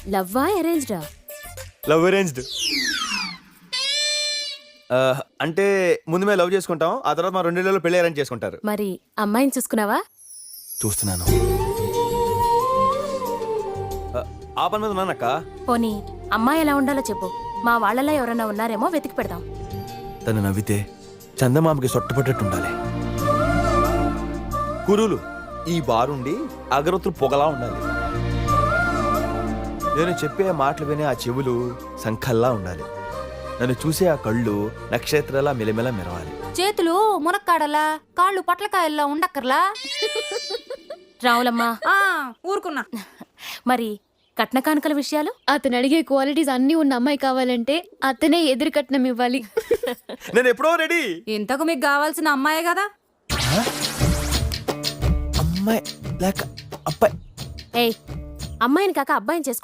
లవ్వా అరేంజ్డా? Love arranged. అంటే ముందు మేము లవ్ చేసుకుంటాం, ఆ తర్వాత మా 2 నెలల్లో పెళ్లి అరేంజ్ చేసుకుంటారు. మరి అమ్మాయిని చూసుకున్నావా? చూస్తున్నాను. ఆ పని మీద ఉన్నానక్క. పోనీ అమ్మాయి ఎలా ఉండాలో చెప్పు, మా వాళ్ళలో ఎవరైనా ఉన్నారేమో వెతికి పెడదాం. తను నవ్వితే చందమామకి సొట్టపట్టట్టు ఉండాలి. కురులు ఈ బారుండి అగరొత్తులు పొగలా ఉండాలి. నేను చెప్పే మాటలు వినే ఆ చెవులు సంఖల్లా ఉండాలి. నన్ను చూసే ఆ కళ్ళు నక్షత్రాల మెలిమెల మెరవాలి. చేతులు మునక్కాడలా, కాళ్ళు పట్లకాయల్లా ఉండక్కర్లా. రావులమ్మా, ఊరుకున్నా. మరి కట్న కానుకల విషయాలు? అతను అడిగే క్వాలిటీస్ అన్నీ ఉన్న అమ్మాయి కావాలంటే అతనే ఎదురు కట్నం ఇవ్వాలి. నేను ఎప్పుడో రెడీ. ఇంతకు మీకు కావాల్సిన అమ్మాయే కదా. అమ్మాయి లేక అబ్బాయి? ఏయ్, అమ్మాయిని కాక అబ్బాయిని చేసుకో.